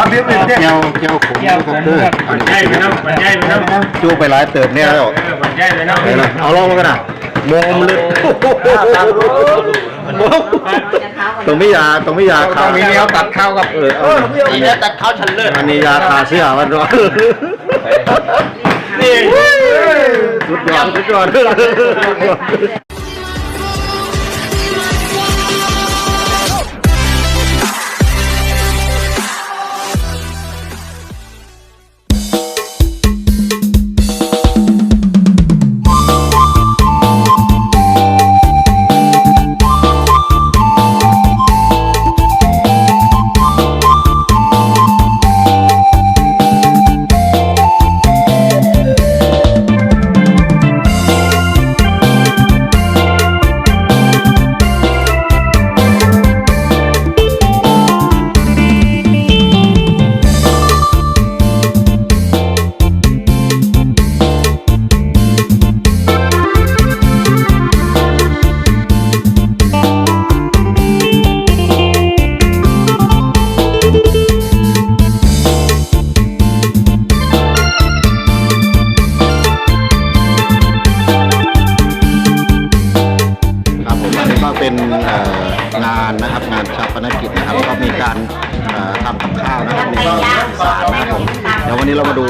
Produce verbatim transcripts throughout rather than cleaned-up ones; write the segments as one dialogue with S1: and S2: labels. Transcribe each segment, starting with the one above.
S1: เบี้ยเบี้ยเกี่ยวเกี่ยวขมครับเด้อมันใหญ่ไปนะมันใหญ่ไปนะจูไปหลายเติบเนี่ยแล้วมันใหญ่ไปนะเอาลองมากันนะมอมเลยตรงนี้ยาตรงนี้ยาข้าวมีเนี้ยตัดข้าวกับเออเออมีเนี้ยตัดข้าวฉันเลิศอันนี้ยาคาเสียมันร้อนนี่สุดยอดสุดยอดเป็นงานนะครับงานชาปนกิจนะครับก็มีการทำกับข้าวนะครับในศาลนะครับผมเดี๋ยววันนี้เรามาดู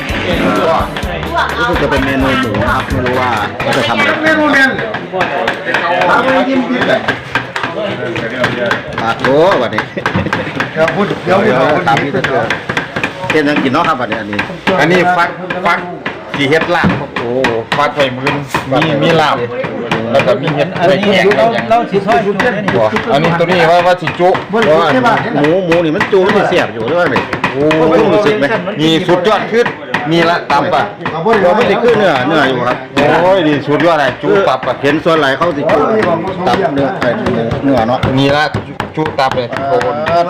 S1: รู้สึกจะเป็นเมนูหมูนะครับไม่รู้ว่าเขาจะทำอะไรเมนูเมนทำอะไรกินกินเลยปากโก้วันนี้เดี๋ยวพูดเดี๋ยวเดี๋ยวตามนี้จะเจอเห็นยังกินเนาะครับวันนี้อันนี้อันนี้ฟักฟักสีเห็ดลาบโอ้ฟักไฟมืนมีมีลาบแล้วก็มีเห็ดอะไรแห้งเราเราสีซอยจุนี่อันนี้ตัวนี้ว่าว่าสีจุเพราะว่าหมูหมูนี่มันจุมันเสียบอยู่ด้วยไหมโอ้รู้สึกไหมมีสุดยอดขึ้นมีละตับอ่ะเราไม่ได้ขึ้นเนื้อเนื้ออยู่ครับโอ้ยดีสุดยอดเลยจุตับอ่ะเห็นส่วนไหลเขาสิจุตับเนื้อเนื้อเนาะมีละจุตับเลยโอ้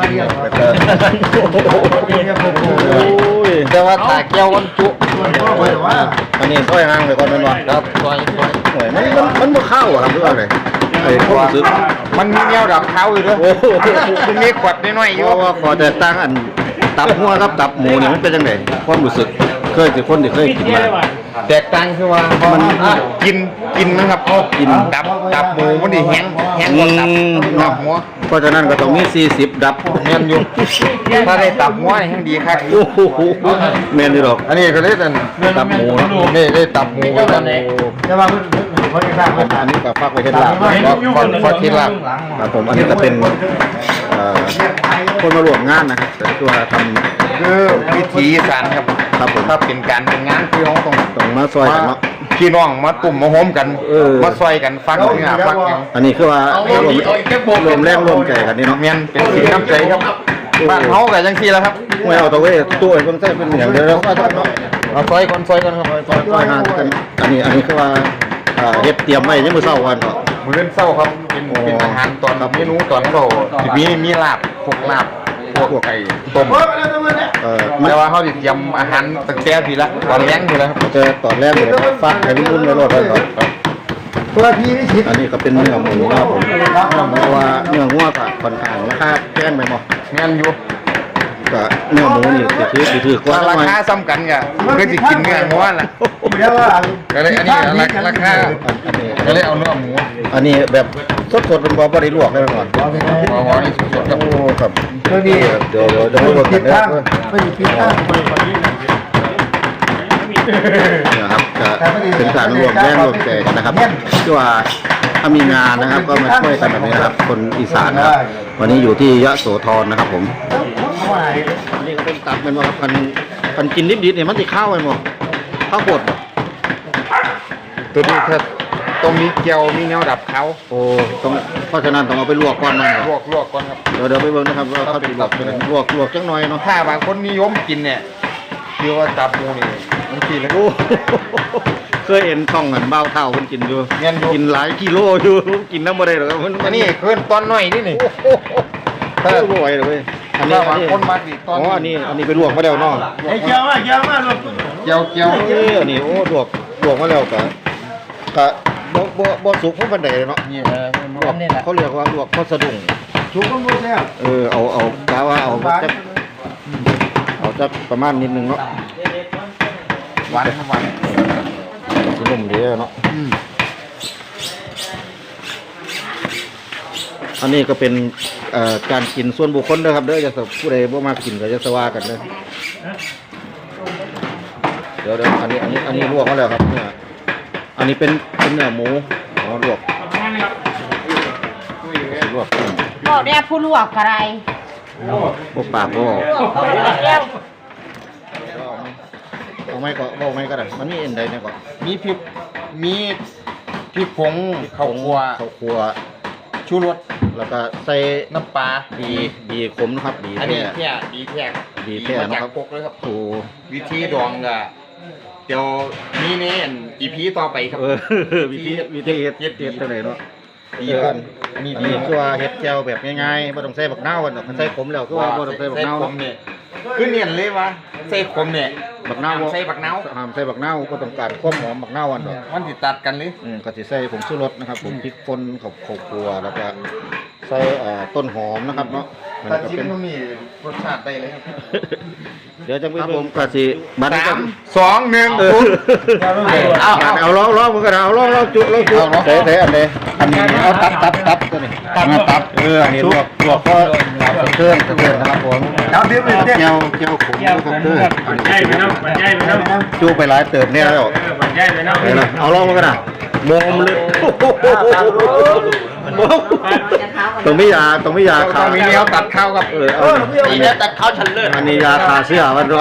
S1: แต่ว่าตาแก้ววันจุอันนี้ซอยห้างเลยก่อนมันวะครับซอยซอยหวยมันมันมันมาเข้าครับด้วยอะไรไอ้ความรู้สึกมันมีแนวดับเท้าอยู่ด้วยโอ้โหมันมีขวดน้อยๆอยู่ว่าขอแต่ตั้งอันตับหัวครับตับหมูเนี่ยมันเป็นยังไงความรู้สึกเคยสิคนที่เคยกินมาแตกต่างคือว่ามันกินกินนะครับเขากินดับดับหมูมันดีแห้งแห้งกว่าดับดับหัวเพราะฉะนั้นก็ต้องมีสี่สิบดับเมียนอยู่ถ้าได้ตับหัวแห้งดีครับโอ้โหเมียนดีหรอกอันนี้ก็ได้แต่ตับหมูนี่ได้ตับหมูกันจะมาเพราะที่สร้างอันนี้กับฟักไว้เห็ดลาบฟักฟักเห็ดลาบครับผมอันนี้ก็เป็นคนมารวมงานนะครับแต่ตัวทำคือวิถีอีสานครับครับผมถ้าเป็นการเป็นงานคือเขาต้องต้องมาซอยกันเนาะพี่น้องมาตุ่มมาโฮมกันมาซอยกันฟักเนื้อฟักอย่างอันนี้คือว่ารวมรวมแรงรวมใจกันนี่เนาะเมียนเป็นสีน้ำใจครับบ้านเขากับจังซี่แล้วครับไม่เอาตัวเว้ยตัวไอ้คนใส่เป็นอย่างเดียวแล้วก็เอาซอยคนซอยกันครับซอยซอยหากันอันนี้อันนี้คือว่าเฮ็ดเตรียมไว้ยังมื้อเช้าวันเนาะมื้อเล่นเช้าครับเป็นเป็นอาหารตอนเมนูตอนเราที่มีมีลาบพวกลาบพวกไก่ต้มเออแต่ว่าเขาติดยำอาหารตั้งแต่ทีละตอนแรกทีละเจอตอนแรกเลยฟักให้รุ่นๆในรถเลยครับตัวพี่นี่ชิดอันนี้ก็เป็นเนื้อหมูครับผมเพราะว่าเนื้อหัวผัดค่อนข้างราคาแพงไปหมดแม่นอยู่ก็เนื้อหมูนี่ถือถือถือกว่าราคาซ้ำกันกะเพื่อจะกินเนื้อหัวล่ะก็เลยอันนี้ราคาก็เลยเอาเนื้อหมูอันนี้แบบสดๆเป็นบอบอได้ลวกได้ก่อนบอบอนี่สดๆครับโอ้ครับเดี๋ยวเดี๋ยวเดี๋ยวเดี๋ยวเราติดตั้งไม่ติดตั้งนะครับจะเป็นการรวมแรงรวมใจกันนะครับที่ว่าถ้ามีงานนะครับก็มาช่วยกันแบบนี้นะครับคนอีสานนะครับวันนี้อยู่ที่ยะโสธรนะครับผมนี่ก็เป็นตับเป็นว่าพันพันกินนิดๆเนี่ยมันติดข้าวไปหมดข้าวบดตัวนี้ถ้าตรงนี้เกียวมีแนวดับเขาโอ้ต้องเพราะฉะนั้นต้องเอาไปลวกก่อนมันลวกลวกก่อนครับเดี๋ยวเดี๋ยวไปเบิ่งนะครับว่าเขาติดลวกลวกลวกจังหน่อยเนาะถ้าบางคนนิยมกินเนี่ยคือว่าตับหมูนี่มันกินแล้วเคยเห็นช่องเงินเบ้าเท่าคนกินอยู่กินหลายกิโลอยู่กินน้ำบ่ได้หรอกมันอันนี้เคลื่อนตอนหน่อยนี่นี่ถ้าบ่อยเลยอันนี้บางคนมาดิตอนอ๋ออันนี้อันนี้ไปลวกมาแล้วเนาะไอ้เกียวมาเกียวมาลวกเกียวเกียวอันนี้โอ้ลวกลวกมาแล้วกะกะบ่บ่บ่สุกเพราะมันใดเนาะนี่เขาเรียกว่าลวกข้าวสะดุ้งสุกมันบ่แซ่บเออเอาเอากะว่าเอาจะประมาณนิดนึงเนาะ
S2: หวานหวาน
S1: สินุ่มดีเนาะอันนี้ก็เป็นเอ่อการกินส่วนบุคคลเด้อครับเด้อจะผู้ใดบ่มากินก็จะสว่ากันเด้อเดี๋ยวเดี๋ยวอันนี้อันนี้อันนี้ลวกมาแล้วครับเนี่ยอันนี้เป็นเป็นเนื้อหมูอ๋อลวกลวก
S3: บอกเนี่ยผู้ลวกอะไร
S1: พวกปากพวก
S3: เร็ว
S1: เอาไม่ก็เอาไม่ก็ได้มันมีอันใดเนี่ยก็
S2: มีพริกมีพริกผงข้าวคั่ว
S1: ข้าวคั่ว
S2: ชูรส
S1: แล้วก็ใส่
S2: น้ำปลา
S1: ดีดีขมนะครับดี
S2: อัน
S1: แท้
S2: นี้แค่ดีแท้
S1: ดีแท้
S2: มา
S1: นะ
S2: จาก
S1: ครับ
S2: พกเลยครับ
S1: โอ้
S2: วิธีดองก็เดี๋ยวมีในอีพีต่อไปครับ
S1: เออวิธีวิธีเฮ็ดเฮ็ดเฮ็ดจังไดเนาะ
S2: ดี
S1: เอ
S2: ครั
S1: อบ มีดีคือว่าเฮ็ดแจ่วแบบง่ายๆบ่ต้องใส่บักนาวกันดอกคันใส่ขมแล้วคือว่าบ่ต้องใส่บักนาว
S2: ใส่ขมเนี่ยคือเนียนเลยว่าใส่ขมเนี่ย
S1: บักนาว
S2: ใส่บักนาว
S1: ห้ามใส่บักนาวก็ต้องการความหอมบักนาวอันดอก
S2: มันติดตัดกันเลย
S1: อืมก็สิใส่ผงชูรสนะครับผมพริกป่นข้าวข้าวคั่วแล้วก็ใส่เอ่อต้นหอมนะครับเนาะมัน
S2: ถ้า
S1: ก็
S2: ชิม
S1: เป็น
S2: มันมีรสชาติได้เลยครับ
S1: เดี๋ยวจะไปผมก็สิบัดนี้
S2: สา
S1: ก็
S2: มสองหนึ่ง
S1: เออ
S2: ศูนย์เอา
S1: เอา
S2: เอา
S1: เอาลองลองมันก็ได้เอาลองลองจุลองจุ
S2: เอาลอง
S1: เตะเตะอันนี้อันนี้เอาตับตับตับตัวนี้ตับตับเอออันนี้ลวกลวกก็เครื่องเครื่องนะครับผม
S2: เอาเดี๋ยวเดี๋ยวเดี๋ยว
S1: เจียวเจียวขมนะครับเด้ออัน
S4: ใช่ไป
S1: นี้
S4: เนาะมันใช่ไปเนาะ
S1: จูไปหลายเติบเนี่ยแล้ว
S4: เออมันใช่ไปเนาะ
S1: เดี๋ยวนะเอาลองมันก็ได้โมมเลยตรงไม่ยาตรงไม่ยา
S2: ต้
S1: ขา
S2: องมีแนวตัดเข้าครับ
S1: เออเอา
S2: มีแนวตัดเข้าชันเลิศ
S1: อันนี้ยาคาเสียมันร้อน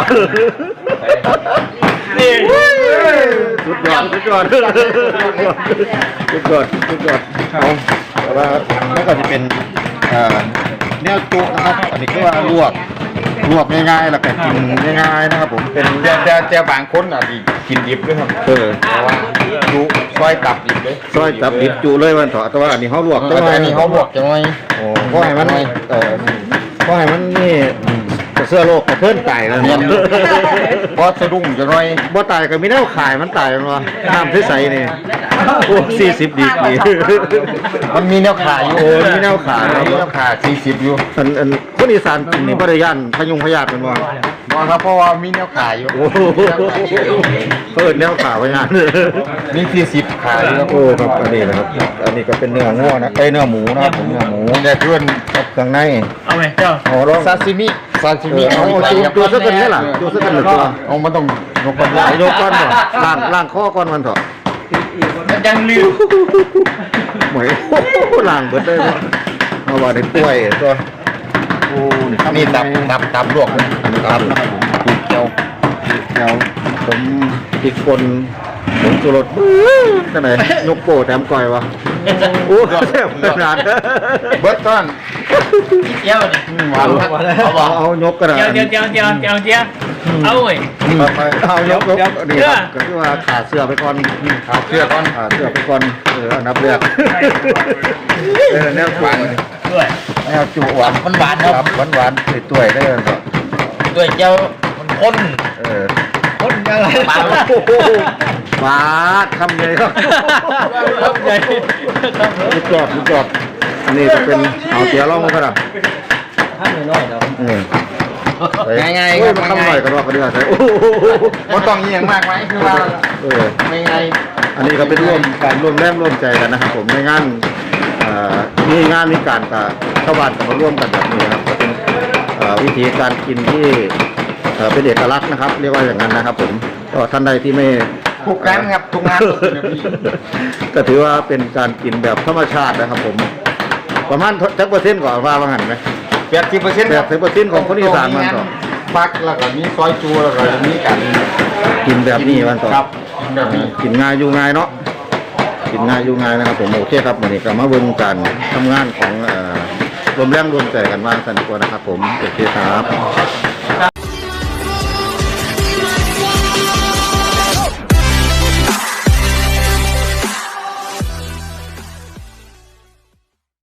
S4: นี่
S1: สุดยอดสุดยอดสุดยอดสุดยอดสุดยอดเอาแต่ว่ามันก็จะเป็นเอ่อแนวจุนะครับอันนี้ก็ว่าลวกลวกง่ายๆแล้วก็กินง่ายๆนะครับผมเป็น
S2: แต่แต่แต่บางคนอ่ะดีกินดิบด้วยครับ
S1: เออ
S2: เพราะว่าดูซอยตับดิบเลย
S1: ซอยจับดิบจุเลยมันเถอะแต่ว่าอันนี้เขาลวก
S2: แต่อันนี้เขาบอกจังไง
S1: โอ้เพราะให้มันเออเพราะให้มันนี่เสื้อโลกกระเพื่อนตายแล้วเนี่ย
S2: เพราะสะดุ้งจังไง
S1: บ่ตายก็มีแนวขายมันตายมันวะน้ำใสๆนี่โอ้สี่สิบดีกรี
S2: มันมีแนวขาอยู่
S1: โอ้มีแนวขา
S2: มีแนวขาสี่สิบอยู่
S1: อันอันคนอีสานกินนี่บ่ได้ย่านพยุงพยาธิเป็นว่า
S2: บอกครับเพราะว่ามีแนวขาอยู่
S1: โอ้โหเพิ่นแนวขาพยาธิ
S2: มีสี่สิบขาอยู่ครับ
S1: โอ้ครับอันนี้นะครับ อันนี้ก็เป็นเนื้องัวนะเอ้ยเนื้อหมูนะครับผมเนื้อหมู
S2: แต่เพื่อน
S1: กับเครื่องใน
S4: เอาไหมเจ้า
S1: อ๋อลอง
S2: ซาซิมิซาซิ
S1: เอ
S2: มิ
S1: อเอาจูจูซะกันนี่ล่ะจูซะกันหนึ่งตัว
S2: เอามันต้องยกคน
S1: เอายกก้อนบ่ล่างล่างข้อก้อนมันเถอะ
S2: มันยังลืม
S1: เหมยโอ้โหล่างเบิดเลยบ่เอาว่าได้ป่วยตัวโอ้นี่ครับ
S2: นี่ตับตับตับลวกเลย
S1: อันนี้ตับนะครับผม
S2: ปูเกียว
S1: แถวผมพริกป่นผงชูรสจังไหนยกโป้แถมก้อยวะโอ้แซ่บขนาด
S2: เบิร์ตต้น
S4: เจ้าดิ
S2: หวานครับเอาบ
S1: เอา
S2: อก
S1: เอายกกระดาษ
S4: เจ้าเจ้าเจ้าเจ้าเจ้าเจ้าเอาเว้ย
S1: เอายกยกนี่ครับก็คือว่าขาเสื้อไปก่อน
S2: ขาเสื้อก้อน
S1: ขาเสื้อไปก่อนเอออันดับแรกเออแนวหวาน
S4: ด้วย
S1: แนวจุหวาน
S2: มันหวานครับ
S1: หวานหวานๆตุ้ยๆได้เลยครับ
S2: ด้วยเจ้ามันข้น
S1: เออ
S2: ข้นยังไง
S1: ปาดปาดคำใหญ่ครับ
S4: ครับใหญ่
S1: ลูกจอดลูกจอดอันนี้จะเป็นเอาเตี๋ยวล่องมาครับ
S4: ท่านน้อยๆเนาะ
S1: อืม
S2: ง่ายๆ
S1: โอ้
S2: ค
S1: ย
S2: รับ
S1: มันคำหน่อยกันว่ากันดีกว่าใช่โอ้โห
S2: มันต้องอย่างมากไหมคือว่า
S1: เออ
S2: ไม่ไง
S1: อันนี้ก็เป็นร่วมการร่วมแรงร่วมใจกันนะครับ ผมในงานเอ่อมีงานมีการกับชาวบ้านก็มาร่วมกันแบบนี้นะครับก็เป็นเอ่อวิธีการกินที่เอ่อเป็นเอกลักษณ์นะครับ เรียกว่าอย่างนั้นนะครับ ผมก็ท่านใดที่ไม่
S2: ทุกงานครับทุกงาน
S1: ก็ถือว่าเป็นการกินแบบธรรมชาตินะครับ ผม ประมาณจักเปอร์เซ็นต์ก่อนว่าว่างั้นไหม
S2: แปดสิบเปอร์เซ็นต์
S1: แปดสิบเปอร์เซ็นต์ของคนอีสานมันก็
S2: ปักแล้วก็มีซอยจูแล้วก็มีกัน
S1: กินแบบนี้มันก็
S2: ครับกินแบบนี้
S1: กินง่ายอยู่ง่ายเนาะกินง่ายอยู่ง่ายนะครับ ผมโอเคครับวันนี้ก็มาเบิ่งการทำงานของเอ่อรวมแรงรวมใจกันว่าสันติกว่านะครับ ผมโอเคครับ